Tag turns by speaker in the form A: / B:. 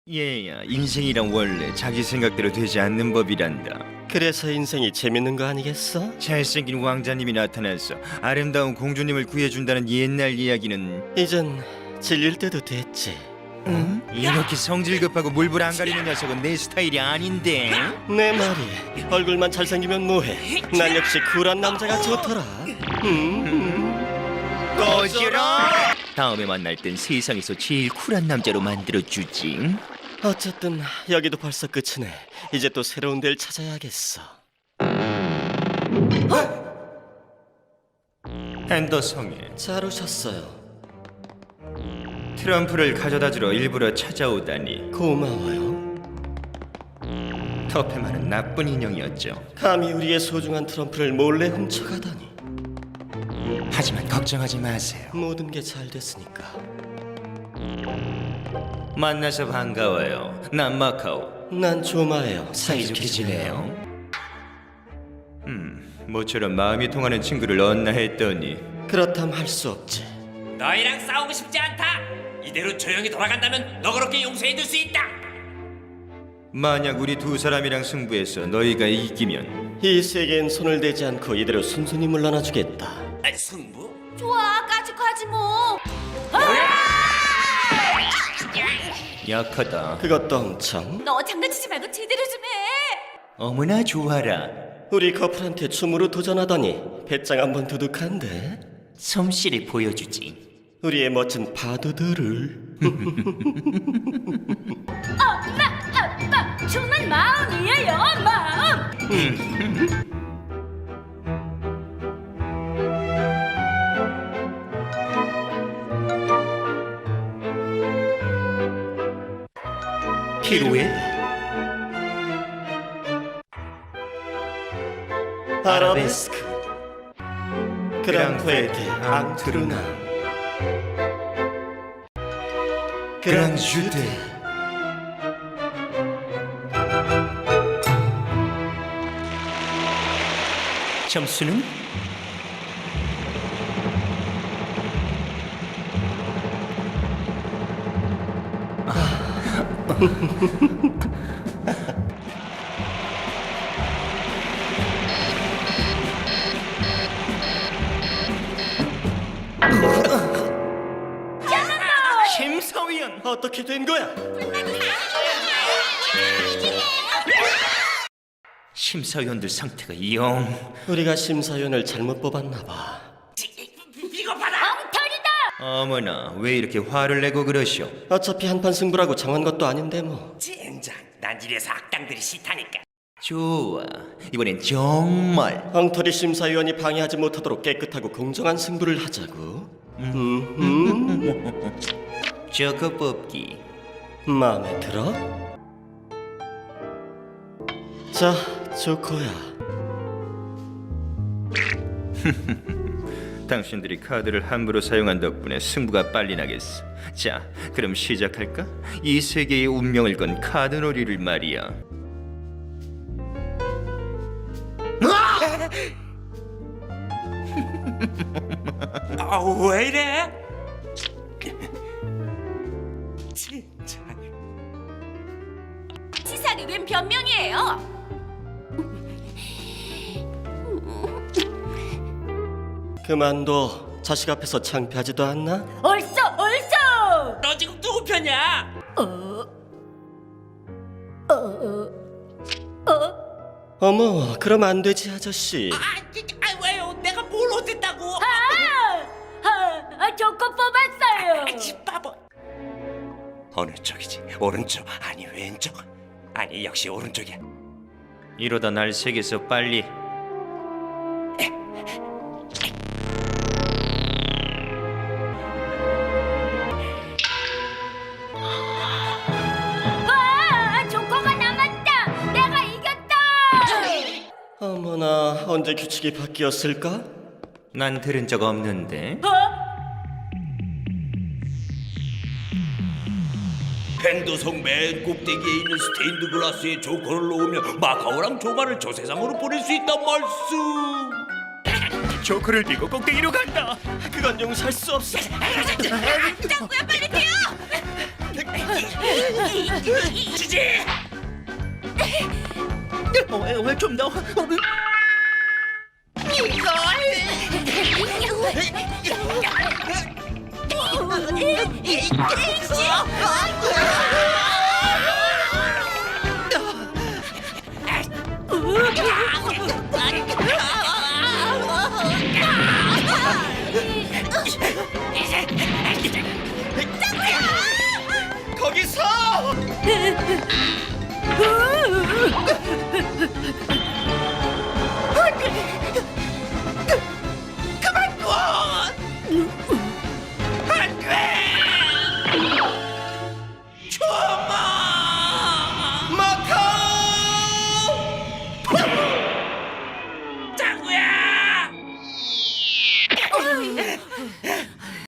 A: 얘야, 인생이란 원래 자기 생각대로 되지 않는 법이란다.
B: 그래서 인생이 재밌는 거 아니겠어?
A: 잘생긴 왕자님이 나타나서 아름다운 공주님을 구해준다는 옛날 이야기는
B: 이젠 질릴 때도 됐지.
A: 응? 이렇게 성질 급하고 물불 안 가리는 녀석은 내 스타일이 아닌데.
B: 내 말이 얼굴만 잘생기면 뭐해? 난 역시 쿨한 남자가 좋더라.
A: 꺼지라! 다음에 만날 땐 세상에서 제일 쿨한 남자로 만들어주지.
B: 어쨌든 여기도 벌써 끝이네. 이제 또 새로운 데를 찾아야겠어.
A: 앤더성에
B: 잘 오셨어요.
A: 트럼프를 가져다주러 일부러 찾아오다니.
B: 고마워요.
A: 터페만은 나쁜 인형이었죠.
B: 감히 우리의 소중한 트럼프를 몰래 훔쳐가다니.
A: 하지만 걱정하지 마세요.
B: 모든 게 잘 됐으니까.
A: 만나서 반가워요. 난 마카오.
B: 난 조마예요.
A: 사이좋게 지내요. 모처럼 마음이 통하는 친구를 얻나 했더니
B: 그렇담 할 수 없지.
C: 너희랑 싸우고 싶지 않다. 이대로 조용히 돌아간다면 너그럽게 용서해줄 수 있다.
A: 만약 우리 두 사람이랑 승부해서 너희가 이기면
B: 이 세계엔 손을 대지 않고 이대로 순순히 물러나 주겠다.
C: 승부?
D: 좋아, 까짓거하지 뭐.
A: 약하다.
B: 그것도 엄청.
D: 너 장난치지 말고 제대로 좀 해.
A: 어머나 좋아라.
B: 우리 커플한테 춤으로 도전하다니 배짱 한번 두둑한데.
A: 솜씨를 보여주지.
B: 우리의 멋진 파도들을.
D: 엄마, 정말 마음이에요, 마음.
A: 피로에
B: 아라베스크 그랑푸에테 앙투르나 그랑주데.
A: 점수는? 심사위원!
B: 어떻게 된 거야?
A: 심사위원들 상태가 영...
B: 우리가 심사위원을 잘못 뽑았나 봐.
C: 이거 봐라.
D: 엉터리다.
A: 어머나 왜 이렇게 화를 내고 그러시오?
B: 어차피 한판 승부라고 정한 것도 아닌데 뭐.
C: 젠장. 난 이래서 악당들이 싫다니까.
A: 좋아, 이번엔 정말
B: 엉터리 심사위원이 방해하지 못하도록 깨끗하고 공정한 승부를 하자고.
A: 저거 뽑기.
B: 마음에 들어? 자, 조코야.
A: 당신들이 카드를 함부로 사용한 덕분에 승부가 빨리 나겠어. 자, 그럼 시작할까? 이 세계의 운명을 건 카드놀이를 말이야.
C: 왜 이래? 진짜.
D: 치사하게 웬 변명이에요?
B: 그만둬. 자식 앞에서 창피하지도 않나?
D: 얼쏘.
C: 너 지금 누구 편이야?
B: 어머, 그럼 안 되지, 아저씨.
C: 왜요? 내가 뭘 어쨌다고?
D: 조커 뽑았어요.
C: 집바보. 어느 쪽이지? 오른쪽 아니 왼쪽? 아니 역시 오른쪽이야.
A: 이러다 날 세계에서 빨리.
D: 와, 조커가 남았다. 내가 이겼다.
B: 어머나, 언제 규칙이 바뀌었을까?
A: 난 들은 적 없는데.
E: 펜도성 맨 꼭대기에 있는 스테인드 글라스에 조커를 놓으면 마카오랑 조마를 저 세상으로 보낼 수 있단 말씀.
A: 조커를 들고 꼭대기로 간다.
B: 그건 용서할 수 없어.
D: 짱구야, 빨리 뛰어.
C: 주지.
F: 좀더
C: 거기서.